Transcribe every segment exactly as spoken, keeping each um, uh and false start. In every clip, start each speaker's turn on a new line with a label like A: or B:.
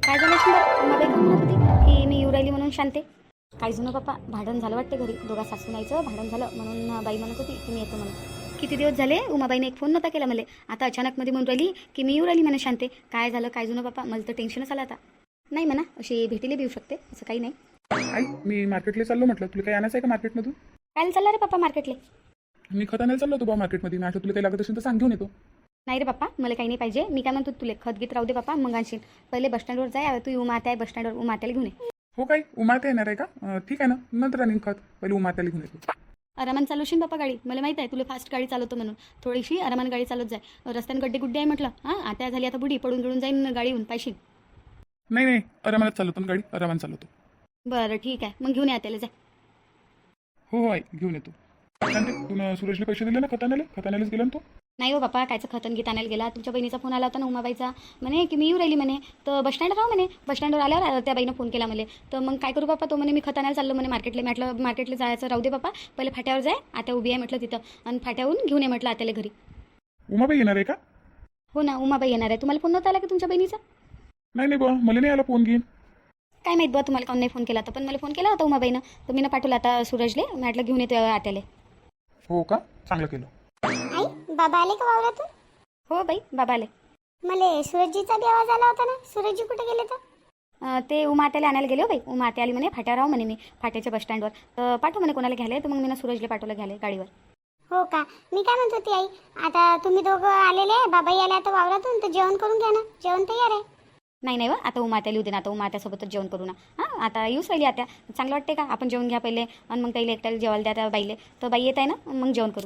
A: काय झालं असेल बरं? उमाबाई का म्हणत होती की मी येऊ राहिली म्हणून शांते. काय जुनं पप्पा भांडण झालं वाटते घरी, दोघा सासूनाईचं भांडण झालं म्हणून बाई म्हणत होती की मी येतो म्हणून. किती दिवस झाले उमाबाईने एक फोन नव्हता केला मला. आता अचानक मध्ये म्हणून राहिली की मी येऊ राहिली म्हणा शांते. काय झालं काय जुनं पप्पा? मला तर टेन्शनच आलं आता. नाही म्हणा, अशी भेटीला बी येऊ शकते, असं काही नाही.
B: आई मी मार्केटला चाललो म्हटलं, तुला काही आणायचं आहे का मार्केटमधून?
A: काय चालला रे पप्पा मार्केटले?
B: मी खत आणायला चाललो होतो बा मार्केटमध्ये. मी तुला काही लागत असेल तर सांग, घेऊन येतो.
A: नाही रे पप्पा, मला काही नाही पाहिजे. मी काय म्हणतो, तुला खत गीत राहू दे पप्पा, मग आणशील. पहिले बसस्टँडवर जाय, तू उमात्या आहे बसस्टँडवर, उमात्याला घेऊन ये.
B: हो काय उमाते येणार आहे का? अं, ठीक आहे ना, नंतर आणीन खत. पहिले उमात्याला घेऊन येतो.
A: आरामान चालवशील बापा गाडी. मला माहित आहे तुला फास्ट गाडी चालवतो म्हणून. थोडीशी आरामान गाडी चालवत जाय. रस्त्याने गड्डे गुड्डे आहे म्हटलं. हां आता झाली आता बुडी, पडून गिळून जाईन गाडीहून पाहिशील.
B: नाही नाही, आरामात चालवतो ना गाडी, आरामात चालवतो.
A: बरं ठीक आहे, मग घेऊन या त्याला. जाय.
B: हो हो आई, घेऊन येतो. शांती, तू सुरेशला पैसे दिले ना खत आणायला? खत आणायलाच गेला ना तो?
A: नाही हो बापा, कायचं खतन गीत आणायला गेला. तुमच्या बहिणीचा फोन आला होता ना उमाबाईचा, म्हणे की मी येऊ राहिली म्हणे. तर बसस्टँड राहू म्हणे. बसस्टँडवर आल्यावर त्या बाईनं फोन केला मला. तर मग काय करू बापा? तो म्हणे मी खत आणायला चाललो म्हणे मार्केटला. म्हटलं मार्केटला जायचं राहू दे बापा, पहिले फाट्यावर जाय, आता उभी आहे म्हटलं तिथं, आणि फाट्याहून घेऊन ये म्हटलं आत्याला घरी.
B: उमाबाई येणार आहे का?
A: हो ना, उमाबाई येणार आहे. तुम्हाला फोन नव्हता आला की तुमच्या बहिणीचा?
B: नाही नाही बा, मला नाही आला फोन घेईन.
A: काय माहीत बा तुम्हाला काऊन नाही फोन केला. तर पण मला फोन केला होता उमाबाईनं, तर मी ना पाठवला आता सूरजले. म्हटलं घेऊन येते आत्याले.
B: हो का, चांगलं केलं.
C: आई बाबा आले का वावरातून?
A: हो बाई, बाबा आले.
C: मला सूरजजीचा बी आवाज आला होता ना. सूरजजी कुठे गेले तर?
A: अं, ते उमा आत्याला आणायला गेले हो बाई. उमा आत्या आली म्हणे फाट्यावर राहू म्हणे मी, फाट्याच्या बसस्टँडवर. तर पाठव म्हणे कोणाला घ्यायला. तर मग मी ना सूरजला पाठवलं घ्यायला गाडीवर.
C: हो का, मी काय म्हणत होती आई, आता तुम्ही दोघं आलेले आहे, बाबाई आले आता वावरातून, तर जेवण करून घ्या ना. जेवण तयार आहे.
A: नाही नाही व, आता उमा आत्याला येऊ दे ना. आता उमा आत्यासोबतच जेवण करू ना. हां आता येऊच राहिली आत्या, चांगलं वाटते का? आपण जेवण घ्या पहिले, आणि मग त्याला एकट्याला जेवायला द्या त्या बाईले. तर बाई येत आहे ना, मग जेवण करू.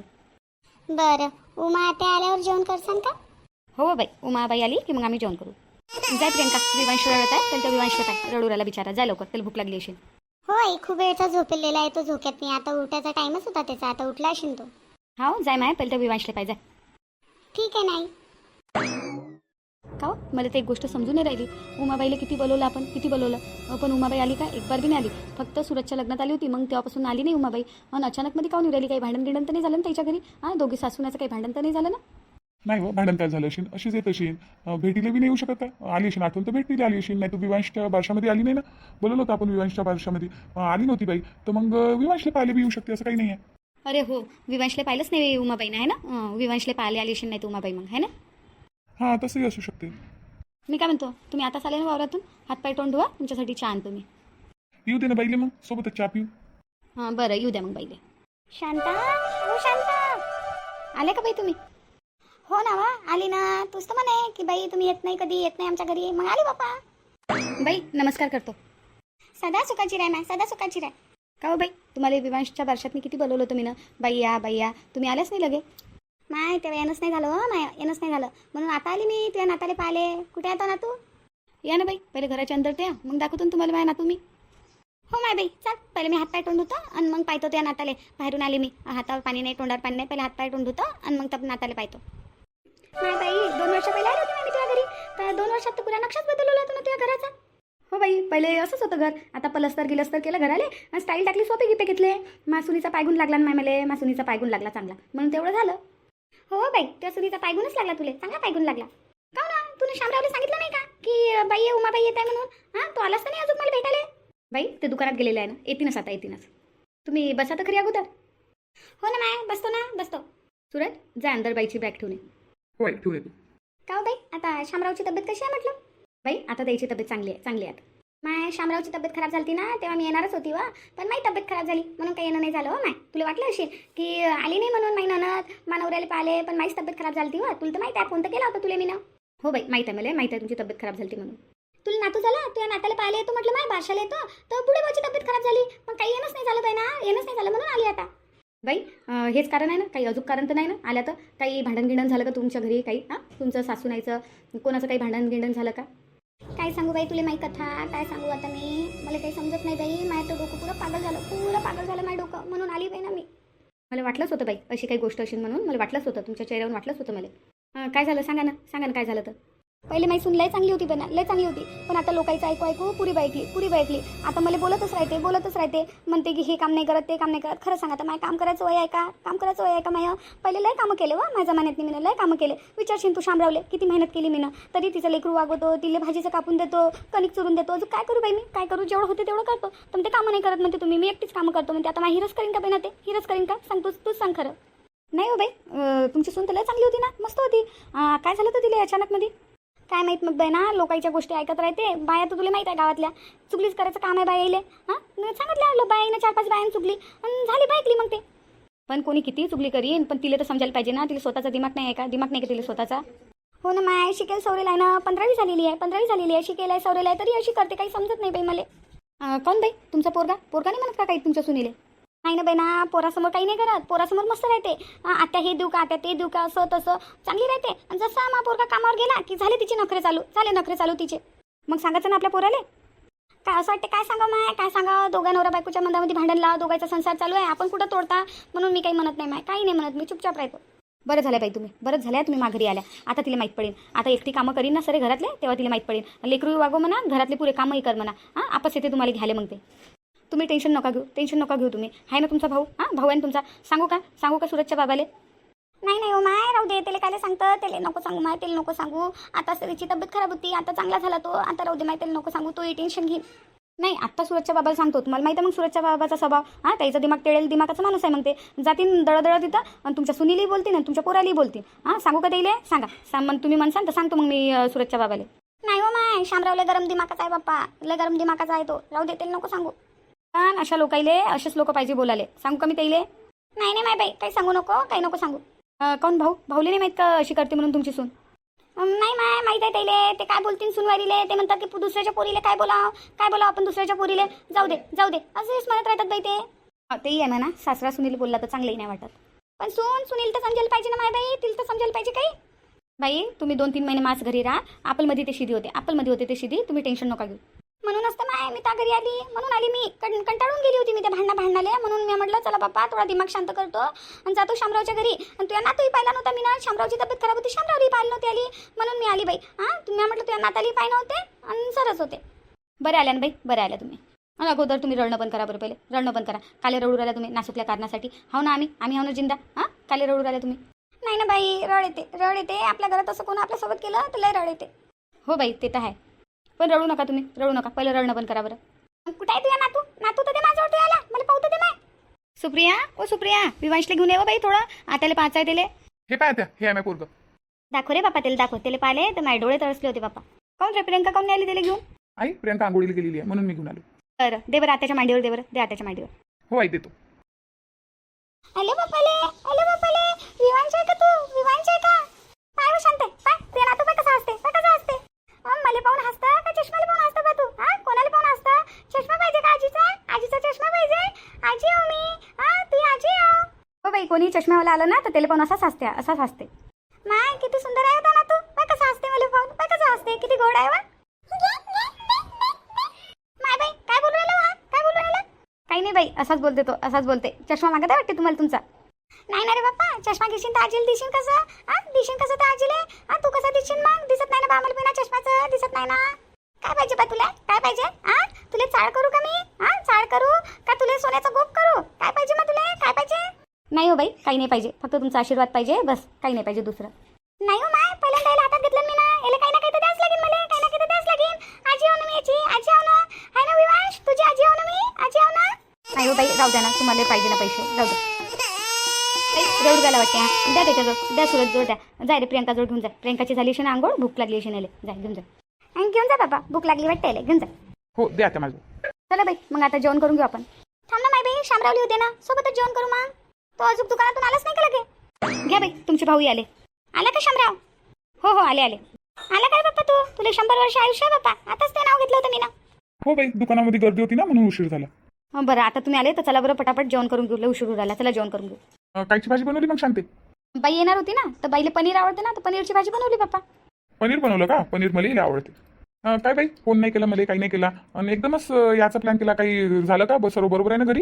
C: बरं, उमा आता आल्यावर जेवण करसान का?
A: हो बाई, उमाबाई आली की मग आम्ही जेवण करू. जाय प्रियंका, विवांश रडत आहे, त्यांच्या विवांशला काय रडू राहिला बिचारा. जाय लवकर, त्याला भूक लागली असेल.
C: हो आई, खूप वेळचा झोपलेला आहे तो, झोक्यात नाही. आता उठायचा टाइमच होता त्याचा, आता उठला असेल तो.
A: हा जाय माय, पहिले त्या विवांशला पाहिजे.
C: ठीक आहे नाही.
A: का हो? मला ते एक गोष्ट समजून नाही राहिली. उमाबाईला किती बोलवलं आपण, किती बोलवलं, पण उमाबाई आली का? एक बार बी नाही आली. फक्त सुरतच्या लग्नात आली होती, मग तेव्हापासून आली नाही उमाबाई. आणि अचानकमध्ये काऊन राहिली? काही भांडण गिंडण तर नाही झालं ना त्याच्या घरी? हां दोघी सासूनाचं काही भांडण तर नाही झालं ना?
B: नाही हो, भांडण काय झालं असेल, अशीच येत असेल. भेटीला बी नाही येऊ शकत काय? आली असेल आठवण तर भेटीला आली असेल. नाही तर विवांशच्या बारशामध्ये आली नाही ना. बोलवलं होतं आपण विवांशच्या बारशामध्ये, आली नव्हती बाई. तर मग विवांशला पाहायला बी येऊ शकते, असं काही नाही आहे.
A: अरे हो, विवांशला पाहिलंच नाही उमाबाईनं, आहे ना? विवांशला पाहिले आली असेल नाही तर उमाबाई, मग आहे ना?
B: हां तसंही असू शकते.
A: मी काय म्हणतो, तुम्ही आता चालेल ना वावरातून? हातपाय तोंड धुवा, तुमच्यासाठी चहा आणतो मी.
B: येऊ दे ना बाईले, मग सोबतच चहा पिऊ.
A: हां बरं, येऊ द्या मग बाईले.
C: शांता, हो शांता,
A: आले का बाई तुम्ही?
C: हो ना वा, आली ना. तूच तर म्हणे की बाई तुम्ही येत नाही, कधी येत नाही आमच्या घरी. मग आली बापा.
A: बाई नमस्कार करतो.
C: सदा सुखाची राह ना, सदा सुखाची राह.
A: का हो बाई, तुम्हाला विवांशच्या बारशात मी किती बोलवलं तुम्ही ना, बाई या बाई या, तुम्ही आल्याच नाही लगे.
C: माय तेव्हा येणंच नाही झालं. हो माय येणंच नाही झालं, म्हणून आता आली मी. तुझ्या नाताले पाहिले. कुठे आता ना तू?
A: या ना बाई, पहिले घराच्या अंदर त्या, मग दाखवतो ना तुम्हाला माय ना तुम्ही.
C: हो माय बाई, चल पहिले मी हातपाय तोंड धुतो, आणि मग पाहतो त्या नाताले. बाहेरून आली मी, हातावर पाणी नाही, तोंडावर पाणी नाही. पहिले हातपाय तोंड धुतो, आणि मग त्या नाताले पाहतो. माय बाई, दोन वर्ष पहिले आली होती मी तुझ्या घरी. तर दोन वर्षात तर पुरा नक्षाच बदलवला होता ना तुझ्या घराचा.
A: हो बाई, पहिले असंच होतं घर. आता पलस्तर गिलस्तर केलं घराले, स्टाईल टाकली, सोपे गिपे घेतले. मासुनीचा पायगुण लागला ना माय मला, मासुनीचा पायगुण लागला चांगला, म्हणून तेवढं झालं.
C: हो बाई, त्या सुनीचा पायगुणच लागला तुले, चांगला पायगुण लागला. का ना, तुला शामरावला सांगितलं नाही का की बाई उमाबाई येत आहे म्हणून? हां तो आलाच तर नाही अजून मला भेटायला.
A: बाई ते दुकानात गेलेलं आहे ना, येतीनच आता, येतीनच. तुम्ही बसा तर खरी अगोदर.
C: हो ना माय, बसतो ना, बसतो.
A: सुरत जा अंदर, बाईची बॅग ठेवून ये.
B: होय ठेवू येतो.
C: का हो बाई, आता शामरावची तब्येत कशी आहे म्हटलं?
A: बाई आता द्यायची तब्येत चांगली आहे, चांगली आहे आता.
C: माय शामरावची तब्येत खराब झाली ना, तेव्हा मी येणारच होती वा, पण माझी तब्येत खराब झाली म्हणून काही येणं नाही झालं. हो माय, तुला वाटलं असेल की आली नाही म्हणून माही ननद मानवऱ्याला पाहिले, पण माझी तब्येत खराब झाली वा. तुला तर माहिती आहे, फोन तर केला होता तुला मी ना.
A: हो बाई माहीत आहे मला, माहीत आहे तुमची तब्येत खराब झाली म्हणून.
C: तुला नातू झाला, तुझ्या नात्याला पाहिले येतो म्हटलं, माय बारशाला येतो, तर पुढे माझी तब्येत खराब झाली, पण काही येणंच नाही झालं बाई ना, येणंच नाही झालं म्हणून आली आता.
A: बाई अं, हेच कारण आहे ना, काही अजून कारण तर नाही ना आल्या? तर काही भांडण गिंडण झालं का तुमच्या घरी? काही हां तुमचं सासूनाईचं कोणाचं काही भांडण गिंडण झालं का?
C: काय सांगू बाई तुला माही कथा, काय सांगू आता मी, मला काही समजत नाही बाई. माझं तर डोकं पुरं पागल झालं, पुरं पागल झालं माझं डोकं, म्हणून आली बाई ना मी.
A: मला वाटलंच होतं बाई अशी काही गोष्ट असेल म्हणून, मला वाटलंच होतं, तुमच्या चेहऱ्यावरून वाटलंच होतं मला. अं, काय झालं सांगा ना, सांगा ना काय झालं तर.
C: पहिले माझी सून लय चांगली होती बना लय चांगली होती, पण आता लोकांचं ऐकू ऐकू पुरी बायकली पुरी बायकली आता मला बोलतच राहते बोलतच राहते म्हणते की हे काम नाही करत ते काम नाही करत. खरं सांगा आता माझं काम करायचं वय आहे का? काम करायचं वय आहे का माझं? पहिले लय कामं केले वा माझ्या जमान्यात मी लय कामं केले. विचारशील तू शामरावले किती मेहनत केली मी ना, तरी तिचं लेकरू वागवतो, तिला भाजीचं कापून देतो, कणिक चुरून देतो, अजून काय करू बाई मी काय करू? जेवढं होते तेवढं करतो. पण ते कामं नाही करत म्हणते तुम्ही, मी एकटीच कामं करतो म्हणते. आता माझी हिरच करीन का बाई ना ते हिरच करीन का? सांग तूच तूच सांग खरं. नाही हो बाई, अं, तुमची सून तर लय चांगली होती ना, मस्त होती. अं, काय झालं तर तिला अचानक मध्ये काय माहीत मग बाई ना, लोकांच्या गोष्टी ऐकत राहते. बाया तर तुला माहीत आहे गावातल्या चुगलीच करायचं काम आहे बायाले. हां सांगितलं बाईनं चार पाच बायानं चुगली आणि झाली बायकली मग ते. पण कोणी किती चुगली करीन पण तिला तर समजायला पाहिजे ना, तिला स्वतःचा दिमाग नाही आहे का? दिमाग नाही का तिला स्वतःचा? हो ना माय, शिकेल सवरेल आहे ना, पंधरावी झालेली आहे पंधरावी झालेली आहे शिकेल आहे सवरेल आहे तरी अशी करते, काही समजत नाही बाई मला. अं, कोण बाई तुमचा पोरगा? पोरगा नाही म्हणत का काही तुमच्या सुनीले? नाही ना बाई ना, पोरासमोर काही नाही करत, पोरासमोर मस्त राहते. आता हे देऊ का आता ते देऊ का असं तसं चांगली राहते. आणि जसा मा पोरगा कामावर गेला की झाले तिचे नखरे चालू झाले नखरे चालू तिचे. मग सांगायचं ना आपल्या पोराले. काय असं वाटते काय सांगा माय काय सांगा, दोघा नवरा बायकोच्या मंदामध्ये भांडण लावा, दोघांचा संसार चालू आहे, आपण कुठं तोडता म्हणून मी काही म्हणत नाही माय, काही नाही म्हणत मी, चुपचाप राहतो. बरं झालं बाई तुम्ही बरंच झालं तुम्ही माघारी आल्या. आता तिला माहीत पडेल, आता एकटी कामं करीन ना सरे घरातले तेव्हा तिला माहीत पडेल. लेकरू वागो म्हणा, घरातले पुरे कामही कर म्हणा. हां आपस येते तुम्हाला घ्यायला मग ते. तुम्ही टेन्शन नका घेऊ टेन्शन नका घेऊ तुम्ही, आहे ना तुमचा भाऊ? हां भाऊ आहे ना तुमचा. सांगू का सांगू का सुरतच्या बाबाले? नाही नाही हो माय राहू दे, त्याला काय सांगतं, त्याला नको सांगू माय, त्याला नको सांगू. आता त्याची तब्येत खराब होती, आता चांगला झाला तो, आता राहू दे माय, त्याला नको सांगू, तोही टेन्शन घेईन. नाही आत्ता सुरतच्या बाबाला सांगतो, तुम्हाला माहिती आहे मग सुरतच्या बाबाचा स्वभाव. हां त्याचा दिमाग टेळेल दिमागाचा माणूस आहे. मग ते जातीन दळदळ तिथं आणि तुमच्या सुनीलाही बोलतील आणि तुमच्या पोरालाही बोलतील. हां सांगू का त्याला? सांगा सांग मग तुम्ही म्हणसान तर सांगतो मग मी अं, सुरतच्या बाबाले. नाही हो माय, शामरावला गरम दिमागाचा आहे बाप्पा, लय गरम दिमागाचा आहे तो, राहू दे त्याला नको सांगू. पण अशा लोकाईले असेच लोक पाहिजे बोलाले. सांगू का मी त्याइले? नाही नाही माय बाई काही सांगू नको काही नको सांगू. कोण भाऊ भाऊले नाही माहीत का अशी करते म्हणून तुमची सून? नाही माय माहीत आहे त्याइले, ते काय बोलतील सुनवारीले, ते म्हणतात की दुसऱ्याच्या पोरीले काय बोलाव काय बोलाव आपण दुसऱ्याच्या पोरीले, जाऊ दे जाऊ दे असेच म्हणत राहतात बाई ते. तेही आहे म्हणा, सासरा सुनील बोलला तर चांगलंही नाही वाटत, पण सून सुनील तर समजायला पाहिजे ना माय बाई, तिला तर समजायला पाहिजे काही. बाई तुम्ही दोन तीन महिने मास घरी राहा, आपलमध्ये ते शिदी होते आपलमध्ये होते ते शिदी, तुम्ही टेन्शन नका घेऊ. म्हणूनच तर माय मी त्या घरी आली, म्हणून आली मी, कं कंटाळून गेली होती मी त्या भांडणा भांडणाले, म्हणून मी म्हटलं चला बाप्पा थोडा दिमाग शांत करतो आणि जातो शामरावच्या घरी. आणि तुझ्या नातूही पाहिला नव्हता मी ना, शामरावची तब्येत खराब होती, शामरावही पाहिलं नव्हती आली, म्हणून मी आली बाई. हां तुम्ही म्हटलं तुझ्या नाताली पाय नव्हते आणि सरच होते. बरे आल्या ना बाई बरे आल्या तुम्ही. आणि अगोदर तुम्ही रडणं पण करा बरं, पहिले रडणं पण करा. काले रडू राहिला तुम्ही नासूकल्या कारणासाठी. हो ना आम्ही आम्ही हो ना जिंदा. हां काले रडू राहिला तुम्ही. नाही ना बाई रड येते रड येते, आपल्या घरात असं कोण आपल्यासोबत केलं तर लय रड येते. हो बाई ते तर आहे, पण रडू नका तुम्ही रडू नका, पहिलं रडणं पण करा बरं. कुठे आहे तुझ्या नातू? नातू तर ते माझ्यावर तू आला, मला पाहू तर दे माय. सुप्रिया ओ सुप्रिया, विवांशला घेऊन ये बाई थोडं, आताले पाहायचं आहे त्याले.
B: हे पाय त्या हे आहे माझं पोरगं.
C: दाखव रे बापा त्याला दाखव, त्याला पाहिले तर माझे डोळे तरसले होते बापा.
A: काऊन रे प्रियंका काऊन नाही आली त्याला घेऊन?
B: आई प्रियंका आंघोळीला गेलेली आहे म्हणून मी घेऊन आलो.
A: बरं दे बरं आत्याच्या मांडीवर दे बरं, दे आत्याच्या मांडीवर.
B: हो आई देतो.
C: हॅलो बापाले हॅलो बापाले, विवांश आहे का तू? विवांश आहे का? पाय हो शांत पाय, तुझ्या नातू पाय कसा असते पाय कसा असते. मला पाहून हसता का चष्माला पाहून हसता का तू? हा कोणाला पाहून हसता? चष्मा पाहिजे का आजीचा? आजीचा चष्मा पाहिजे? आजी हो मी, हा तू आजी हो.
A: हो बाई कोणी चष्म्यावाला आलं ना तर त्याला पण असाच हसते असाच हसते.
C: माय किती सुंदर आहे होता ना तू, पाय कसा हसते मला पाहून, पाय कसा हसते, किती गोड आहे वा. माय बाई काय बोलू राहिला हा काय बोलू राहिला?
A: काही नाही बाई असाच बोलते तो असाच बोलते. चष्मा मागत आहे वाटते तुम्हाला तुमचा?
C: नाही ना रे बाप्पा, चष्मा घेशील तर आजीला दिशील कसं? हा दिशील कसं तर आजीले? हा तू कसं दिशील मग? दिसत नाही ना बामल बिना चष्माचं, दिसत नाही ना. काय पाहिजे बा तुला काय पाहिजे? हा तुला चाळ करू का मी? हा चाळ करू का तुला सोन्याचा गोप करू? काय पाहिजे मग तुला काय पाहिजे?
A: नाही हो बाई काही नाही पाहिजे, फक्त तुमचा आशीर्वाद पाहिजे बस, काही नाही पाहिजे दुसरं.
C: नाही हो माय, पहिल्यांदा याला हातात घेतलं मी ना, याला काही ना काही तर द्यास लागेल, मला काही ना काही तर द्यास लागेल. आजी हो ना मी याची आजी हो ना, आहे ना विवांश तुझी आजी हो ना मी आजी हो ना.
A: नाही हो बाई राहू द्या ना, तुम्हाला पाहिजे ना पैसे राहू द्या. रडू द्यायला वाटते. हा द्या त्याच्याजवळ द्या, सुरत जोड द्या. जाय रे प्रियंका जोड घेऊन जा, प्रियंकाची झाली अशी ना आंघोळ, भूक लागली अशी नाले, जाय घेऊन जा.
C: आणि घेऊन जा बाबा, भूक लागली वाटते याला, घेऊन जा.
B: हो द्या त्या माझं.
A: चला बाई मग आता जेवण करून घेऊ आपण.
C: थांब ना माय बाई, शामरावली होते ना सोबतच जेवण करू मग. तो अजून दुकानातून आलाच नाही का लगे?
A: घ्या बाई तुमचे भाऊही आले.
C: आला का शामराव?
A: हो हो आले आले.
C: आला काय बाप्पा तू? तुला शंभर वर्ष आयुष्य आहे बाप्पा, आताच ते नाव घेतलं होतं मी ना.
B: हो बाई दुकानामध्ये गर्दी होती ना म्हणून उशीर झाला.
A: हं, बरं आता तुम्ही आले तर चला बरं पटापट जेवण करून घेऊ, लय उशीर राहिला, चला जेवण करून घेऊ.
B: अं, कायची भाजी बनवली मग शांते?
A: बाई येणार होती ना तर बाईला पनीर आवडते ना, तर पनीरची भाजी बनवली बाप्पा.
B: पनीर बनवलं का? पनीर मला आवडते. अं, काय बाई फोन नाही केला मला, काही नाही केला आणि एकदमच अं, याचा प्लॅन केला. काही झालं का? बस सर्व बरोबर आहे ना घरी?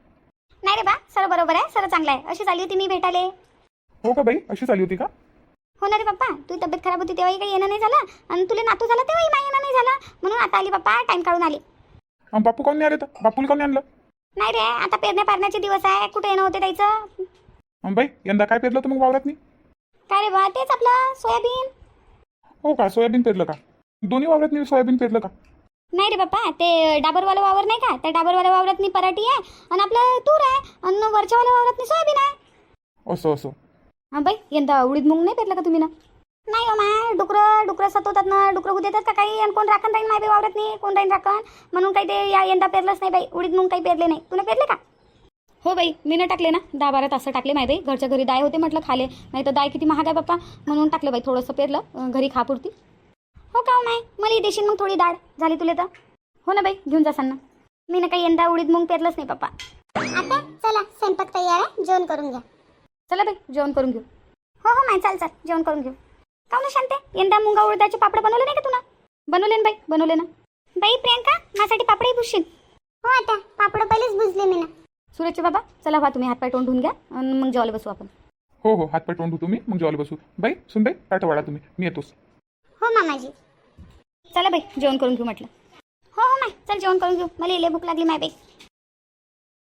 C: नाही रे बा, सर्व बरोबर आहे, सर्व चांगलं आहे. अशी चालली होती मी भेटायला.
B: हो का बाई अशी चालली होती का?
C: हो ना रे पप्पा, तुझी तब्येत खराब होती तेव्हाही काही येणं नाही झालं, आणि तुला नातू झाला तेव्हाही माझं येणं नाही झालं, म्हणून आता आली पप्पा, टाइम काढून आली.
B: अं, बापू कोण नाही आले तर बापूला कोण नाही आणलं?
C: नाही रे, आता पेरण्या पारण्याचे दिवस आहे, कुठे येणं होते त्याचं.
B: अं, बाई यंदा काय पेरलं तर मग वावरात नाही?
C: काय रे बा, तेच आपलं सोयाबीन.
B: हो का, सोयाबीन पेरलं का? दोन्ही वावरात नाही सोयाबीन पेरलं का?
C: नाही रे बाप्पा, ते डाबरवाला वावर नाही का, त्या डाबरवाल्या वावरात मी पराठी आहे, आणि आपलं तूर आहे, आणि वरच्यावाल्या वावरात मी सोयाबीन आहे.
B: असं असं.
A: हां बाई, यंदा उडीद मूग नाही पेरलं का तुम्ही ना?
C: नाही हो माय, डुकरं डुकरं सतवतात ना, डुकरं होऊ देतात का काही, आणि कोण राखण राहील माय बाई वावरात नाही, कोण राहील राखण, म्हणून काही ते या यंदा पेरलंच नाही बाई, उडीद मूग काही पेरले नाही. तुला पेरले का?
A: हो बाई, मी न टाकले ना, दहा बारा तास टाकले माय बाई, घरच्या घरी दाय होते म्हटलं खाले, नाही तर दाय किती महाग आहे बाप्पा, म्हणून टाकलं बाई, थोडंसं पेरलं अं, घरी खापुरती.
C: हो का हो माय, मला देशील मग थोडी डाळ झाली तुला तर.
A: हो ना बाई, घेऊन जासान ना.
C: मी ना काही यंदा उडीद मूग पेरलंच नाही पप्पा. आता चला, स्वयंपाक तयार आहे, जेवण करून घ्या.
A: चला बाई, जेवण करून घेऊ.
C: हो हो माय, चाल चाल, जेवण करून घेऊ. का ना शांते, यंदा मुंगा उडदाचे पापड बनवले नाही का तुला?
A: बनवले ना बाई, बनवले ना.
C: बाई प्रियंका, माझ्यासाठी पापडही भुसशील? हो आता, पापड पहिलेच भुजले मी ना.
A: सुरेशचे बाबा, चला व्हा तुम्ही हातपाय तोंड धुवून घ्या, आणि मग जेवायला बसू आपण.
B: हो हो, हातपाय तोंड धुतो मी, मग जेवायला बसू. बाई सुनबाई, ताटं वाढा तुम्ही, मी येतोच.
C: हो मामाजी.
A: चला बाई, जेवण करून घेऊ म्हटलं.
C: हो हो माय, चल जेवण करून घेऊ, मला लई भूक लागली माय बाई.